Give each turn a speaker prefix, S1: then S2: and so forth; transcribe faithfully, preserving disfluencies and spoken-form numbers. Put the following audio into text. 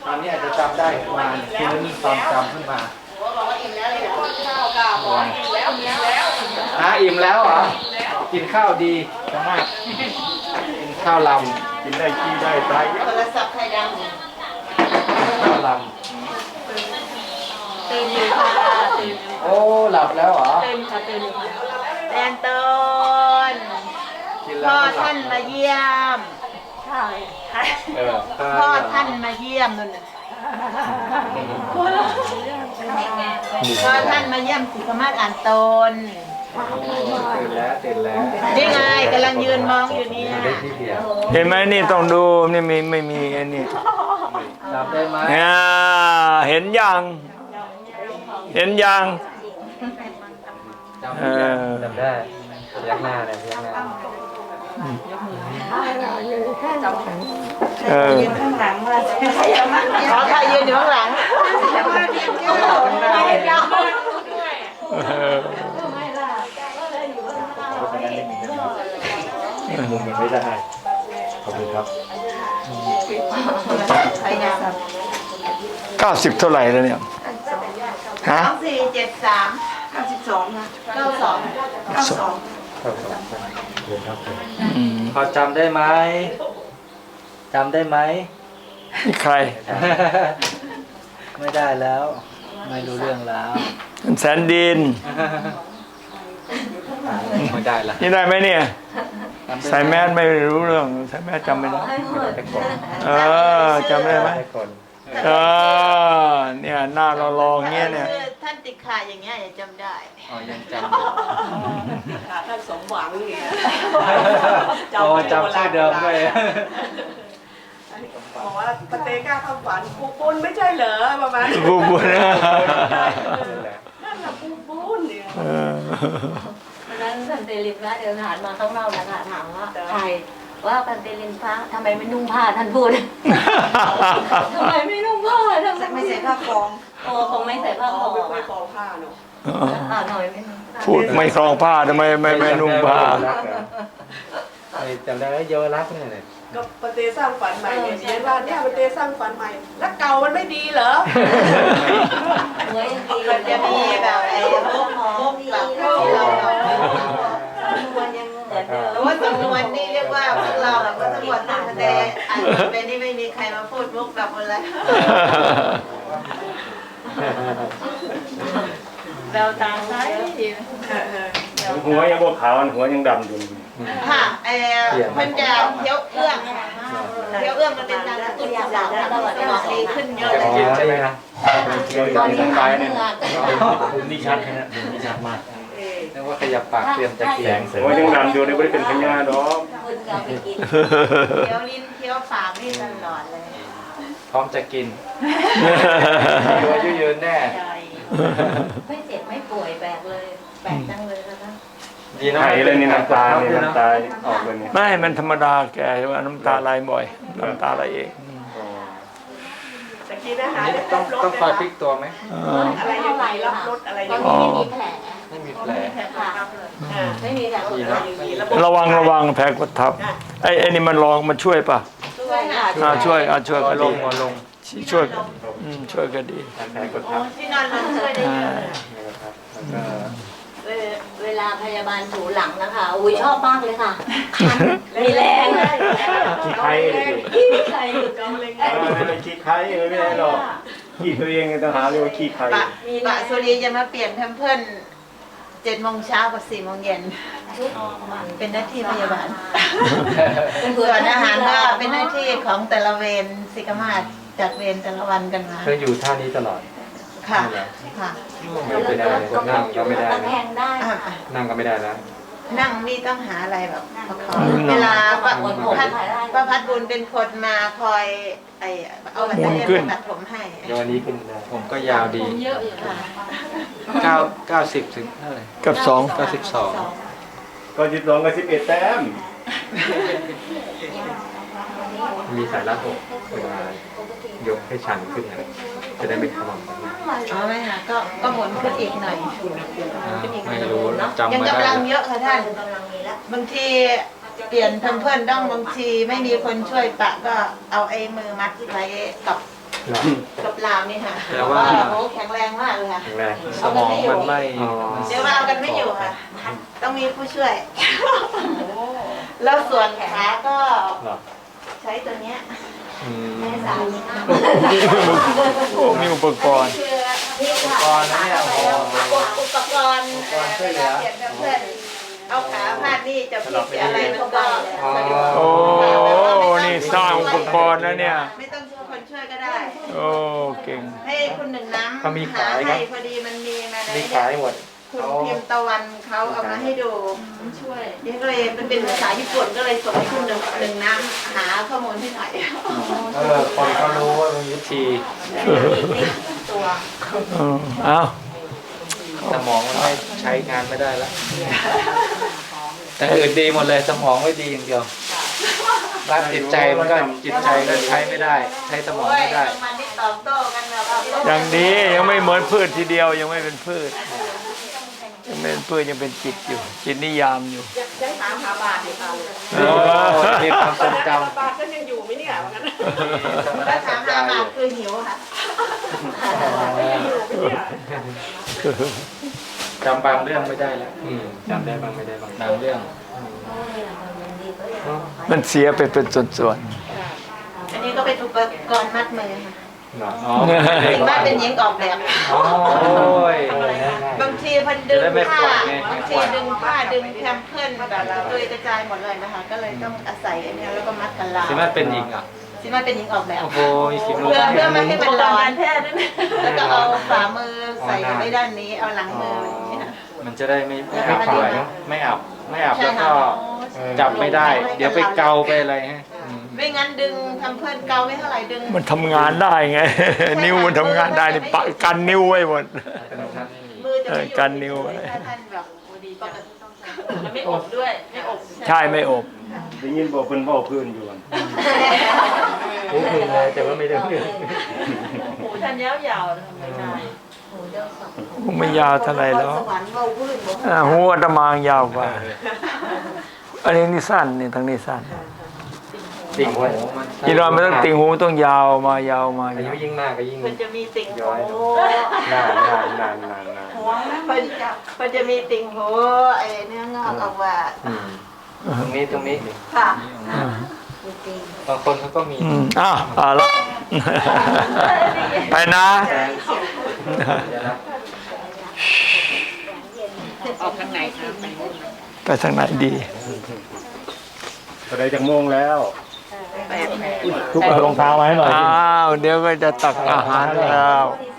S1: ตอนนี้อาจจะจำได้มาคืนความจำขึ้นมาบอกว่าอิ่มแล้วเลยเหรอข้าวกับหมออิ่มแล้วอิ่มแล้วฮะอิ่มแล้วเหรอกินข้าวดีมากกินข้าวลำกินได้ขี้ได้ไตโทรศัพท์ไทยดังข้าวลำตื่นอยู่ค่ะตื่นโอ้หลับแล้วเหรอตื่นค่ะตื่นอยู่ค่ะแตนต้นพ่อท่านมาเยี่ยมใช่พ่อท่านมาเยี่ยมนั่นน่ะพ่อท่านมาเยี่ยมสิกมาศอ่านตนตื่นแล้วตื่นแล้วนี่ไงกำลังยืนมองอยู่เนี่ย
S2: เห็นไหมนี่ต้องดูนี่ไม่ไม่มีไอ้นี่
S1: จำได้ไหม
S2: เห็นยังเห็นยัง
S1: จำได้จำได้ยักหน้าเลยยักหน้า
S2: เออ
S3: ข้างหลังว่า
S1: ขอใครยืนอยู่ข้างหลังมุมมันไม่ได้ขอบคุณครับ
S2: เก้าสิบเท่าไหร่แล้วเนี่ยฮะ
S3: สองสี่เจ็ดสามเก้าสิบสองนะเก้าสองเก้าสอง
S1: พอจำได้ไหมจำได้ไหม
S2: ใคร
S1: ไม่ได้แล้วไม่รู้เรื่องแล้ว
S2: แสนดิน
S1: ไม่ได้ละ
S2: นี่ได้ไหมเนี่ยใส่แมสไม่รู้เรื่องใส่แมสจำไม่ได้เออจำได้ไหมเออเนี่ยหน้าเราลองเงี้ยเนี่ย
S3: ท่านติดขาอย่างเงี้ยจำได้
S1: อ๋อยังจำ
S3: ขาท่านสมหวังนี่
S1: จำจำชื่อเดิมด้วย
S3: บอกว่าปเตก้าทำฝันปูปุ้นไม่ใช่เหรอประมาณ
S2: ปูปุ้นนั่น
S3: แหละปูปุ้นเนี่ย
S4: วันนั้นพันเตลินพระเดินผ่านมาข้างนอกนะคะถามว่าใครว่าพันเตลินพระทำไมไม่นุ่งผ้าท่านพูดทำไมไม่นุ่งผ้าทำไม
S3: ไม่ใส่ผ้าคล้อง
S4: โอ้คงไม่ใส่ผ้าคล้อง
S3: ไม่คล้องผ้าเนาะ
S4: อ่าหน่อยไม่
S2: พูดไม่คล้องผ้าทำไมไม่ไม่นุ่งผ้า
S1: จำได้ว่าเยาวรักเนี่ย
S3: ก็ปเตสร้างฝันใหม่เนี่ยเรียนว่าเนี่ยปเตสร้างฝันใหม่แล้วเก่ามันไม่ดีเหรอ
S4: เหมือนดี
S3: มันจะมีแบบไอ้พวกพวกแบบที่เราเรา
S4: มันยังเหมือนเดิม
S3: แต่ว่าจำนวนนี่เรียกว่าพวกเราแบบว่าทั้งหมดทั้งแต่อ่านไปนี่ไม่มีใครมาพูดมุกแบบอะไร
S4: แววตาใส
S2: หัวยังบวขาวหัวยังดำอยู่
S3: ค่ะเออมันจะเคี้ยวเอื้องเคี้ยวเอื้องมันเป็นการกระตุ้นสมองสมองดีขึ้นเยอะเลย
S1: ใช่ไหมครับ
S4: ตอนนี้ขาเหนื่อย
S1: นี่ชัดนะนี่ชัดมากนึกว่าขยับปากเตรียมจะเขียงเสร็จ
S2: หัวยังดำอยู่นี่ไม่ได้เป็นพญาดอก
S3: เคี้ยวลิ้นเคี้ยวปากนี่ตลอดเลย
S1: พร้อมจะกินอยู่อายุยืนแน่
S4: ไม่เจ็บไม่ป่วยแปลกเลยแปลกจังเลยนะคะ
S1: ดีนะไอ้เลยนี่น้ำตาเนี่ยน้ำตาออกเลยเนี่ย
S2: ไม่มันธรรมดาแกว่าน้ำตาไหลบ่อยน้ำตาไหลเอง
S3: ตะกี้นะคะ
S1: ต้องต้องคอยพลิกตัวไหม
S3: อะไรยังไงรับรถอะไรยังไง
S4: ไม่มีแผล
S1: ไม่มีแผล
S4: ไม่มีแผล
S2: ระวังระวังแผลกดทับไอ้ไอ้นี่มันลองมันช่วยป่ะ
S4: ช่วยค่ะ
S2: ช่วยอ่ะช่วยไปลง
S1: มาลง
S2: ช่วยช่วยก็ดี
S1: แผลกดทับ
S3: ที่นอนลงช่วยได้
S4: เวลาพยาบาลถูหลังนะคะอุ้ยชอบมากเลยค่ะมีแรง
S2: ขี้ไข้
S4: ขี้ไข้
S2: กำลังขี้ไข้ไม่ได้หรอกขี้ตัวเองต้องหาเรียกว่าขี้ไข้
S3: ปะสุรีจะมาเปลี่ยนเพื่อนเจ็ดโมงเช้ากับสี่โมงเย็นเป็นหน้าที่พยาบาลส่วนอาหารก็เป็นหน้าที่ของแต่ละเวรศิกมาศจัดเวรแต่ละวันกันมา
S1: เธออยู่ท่านี้ตลอด
S3: ค่ะค่ะ
S1: ไม่ได้นั่งก็ไม่ได้นั่งก็ไม่ได้แล้ว
S3: นั่งนี่ต้องหาอะไรแบบเวลาป้าพัดป้าพัดบุญเป็นคนมาคอยไอเอาบัตรเรียนตัดผมให้
S1: เดี๋ยววันนี้เป็นผมก็ยาวดี
S4: เยอะอยู่ค่ะ
S1: เก้าเก้าสิบถึงเท่าไหร่
S2: กับสอง
S1: เก้าสิบสอง
S2: ก็สิบสองกับสิบเอ็ดแต้ม
S1: มีสายรัดอกเวลายกให้ชันขึ้นอะไรจะได้ไม่ขมำ
S3: อ๋อไม่ค่ะก็ก็หมุนขึ้นอีกหน่อย
S1: ไม่รู้จำ
S3: ยัง
S1: ไม่ได้
S3: กำลังเยอะค่ะท่านบางทีเปลี่ยนเพื่อนๆต้องบางทีไม่มีคนช่วยปะก็เอาไอ้มือมัดไว้กับกับลาวนี่ค่ะ
S1: แต่ว่า
S3: โอ้แข็งแรงมากเลยค่ะ
S5: แรง
S1: สมองมันไม่
S3: เดี๋ยวว่าเอากันไม่อยู่ค่ะ ต้องมีผู้ช่วย แล้วส่วนขาก็
S5: เหรอ
S3: ใช้ตัวเนี้ย
S5: อืม
S3: แม่สายนี่นะ
S2: โอ้มีอุปกรณ์
S3: คือนี่
S1: อุป
S3: ค่ะ
S1: กรณ์นะเนี่ยโอ้โห
S3: อุปกรณ์
S1: อุปกรณ์ช่วยเหลือ
S3: เปลี่ยนเพื่อนเอาขาพาดนี่จะพลิกจะอะไรมันก็
S2: โอ้นี่สร้างอุปกรณ์นะเนี่ย
S3: ไม่ต้องช่วยคนช่วยก็ได้
S2: โอ้เก่ง
S3: ให้คุณหนึ่งน้ำ
S5: เขามีขาย
S3: ห
S5: ครับ
S3: ให้พอดีมันมีมาใน
S5: มี
S3: เนี่
S5: ขาย
S3: ย
S5: หมด
S3: คุณพิมพ์ตะวันเขาเอามาให้ดูช่วยเดี๋ยวก็เลยมันเป็นภาษาญี่ปุ่นก็เลยส่งให้คุณหนึ่งหนึ่งน้ำหาข้อมูลให้หน่อย
S1: เออคนเขารู้ว่ามีวิธี
S3: ตัว
S2: เออเอา
S1: สมองมันไม่ใช้งานไม่ได้แล้วแต่อื่นดีหมดเลยสมองไม่ดีอย่างเดียวด้านจิตใจมันก็จิตใจก็ใช้ไม่ได้ ใช้สมอง
S3: โอ้ย
S1: ไม่ได้
S3: มันนี่ตอบโต้กันแบบ
S2: อย่างดียังไม่เหมือนพืชทีเดียวยังไม่เป็นพืชยังไม่เป็นพืชยังเป็นจิตอยู่ จิตนิยามอยู่
S6: ยังถามหาบาทอยู่ค่ะ
S2: เอ
S1: โอ้
S2: อ
S1: มีความทรงจ
S6: บาทก็ยังอยู่ไหมเนี่ยว่างั้น
S1: ำ
S3: แล้วถามหาบาทคือหิวค่ะ
S6: อยู่ไหมเนี่ย
S1: จำบางเรื่องไม่ได้แล้ว
S5: อืมจำได้บ้างไม่ได้บ้าง
S1: บางเรื่อง
S2: มันเสียไปเป็นส่วน
S3: อันนี้ก็เป็นอุปกรณ์มัดมือค่ะ
S5: เหรอ
S1: อ๋อไม่ได้
S3: ถึงว่าเป็นหญิงออกแบบ
S1: โอ้ย
S3: บางทีพันดึง
S1: จะได้ไม่
S3: ผ้า
S1: ปล่อยไง
S3: บางทีดึงผ้าดึงแคมเพิลแบบตุยกระจายหมดเลยนะคะ ก็เลยต้องอาศัยอันเนี้ยแล้วก็มัดกันลาว
S1: สิมันเป็นหญิงอ่ะ
S3: ซิมาเป็นหญิงออกแบบ
S1: โอ้โหมีสิบโล
S3: เพื่อเพื่อไม่ให้มันร้อน
S6: แพทย์นั่น
S3: แล้วก็เอาฝ่ามือใส่ไว้ด้านนี้ เอาหลังมืออย่างนี้ค่ะ
S1: มันจะได้ไม่ไม่
S3: แล้วก็
S1: อับ
S3: อันนี้
S1: ด้วยไม่อับไม่อับ
S3: ใช่
S1: แล้วก็
S3: ค่ะ
S1: จับไม่ได้ เดี๋ยวไปเกาไปอะไรฮะ
S3: ไม่งั้นดึงทำเพื่อนเกาไม่เท่าไหร่ดึง
S2: ๆมันทำงานได้ไง นิ้วมันทำงานได้นี่ปะกันนิ้วไว้หมด
S3: มือจะไม่อยู่
S2: เออกันนิ้วไว้
S3: ถ้าท่านแบบดีปกติ
S6: แล้วไม่อบด้วย ไม่อบ
S2: ใช่ไม่อบ
S5: ได้ยินบอกเป็นบอกพื้นอยู่อ่ะหูพื้นเลยแต่ว่าไม่ได้พื้น
S6: หูท่านยาวๆทำไม่ได้
S2: หูไม่ยาวเท่าไหร่หรอก
S3: สวรรค์เบาพื้นบอก
S2: อ่าหูอาตมายาวกว่า อันนี้นี่สั้นนี่ทางนี้สั้น
S5: ติ่งไว้
S2: ยีรอนไม่ต้องติ่งหูต้องยาวมายาวมา
S5: อายุยิ่งมากก็ยิ่ง
S3: มันจะมีติ่ง
S5: ย้อย
S3: หู
S5: นานนานนานนานนาน
S3: มันจะมันจะมีติ่งหูไอ้เนื้องอกออกว่า
S5: อืม
S1: ตรงนี้ตรงนี้
S3: ค่ะ
S1: บางคนเขาก็มี
S2: อืมอ้าวเอาละ ไปนะ
S1: เดี๋ยวนะ
S6: ออกทางไหนครับ
S2: ไปทางไหนดี
S5: ก็ได้จากโมงแล้ว
S6: แปดแปด
S5: ทุกเอารองเท้ามาให้หน่อย
S2: อ้าว เดี๋ยวก็จะตักอาหารแล้ว